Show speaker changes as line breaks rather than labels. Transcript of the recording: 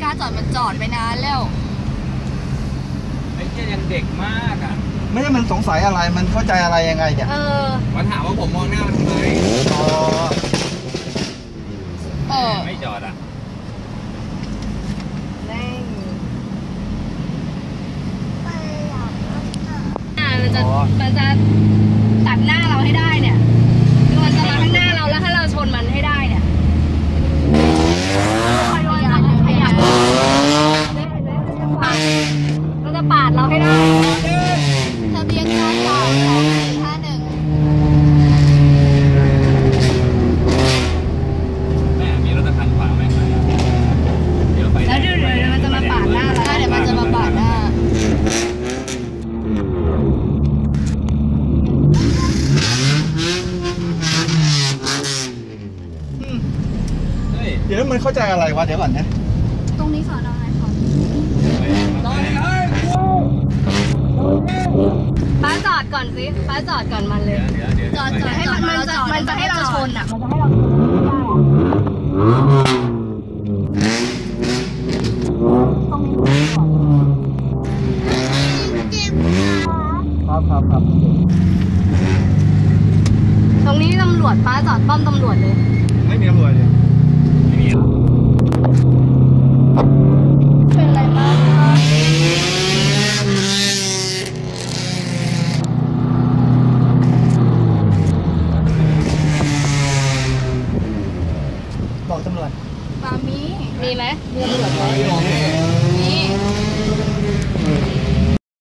าจอดมันจอดไปนานแล้ว
ไอ้เจ้ายังเด็กมากอ่ะ
ไม่ใช่มันสงสัยอะไรมันเข้าใจอะไรยังไงเนี่ย
มันถามว่าผมมองหน้ามันทำไมไม่จอดอ่ะ
มันจะตัดหน้าเราให้ได้เนี่ยคือมันจะมาข้างหน้าเราแล้วถ้าเราชนมันให้ได้เนี่ยมันจะปาดเราให้ได้ทะเบียนกก2451
แม่มีรถตะคันขวางไหมเดี๋ยวไป
แล้วเดี๋ยวมันจะมาปาดหน้าเราเดี๋ยวมันจะมาปาดหน้า
เดี๋ยวมันเข้าใจอะไรวะเดี๋ยวก่อนนะ
ตรงนี้สอนอะไรคะป้าจอดก่อนสิป้าจอดก่อนมันเลยจอดให้มันจะให้เราชนอ่ะมันจะให้เราชนตรงนี้
ครับ
ตรงนี้ตำรวจป้าจอดป้อมตำรวจเลย
ไม่มีตำรวจเลย
ไม่มี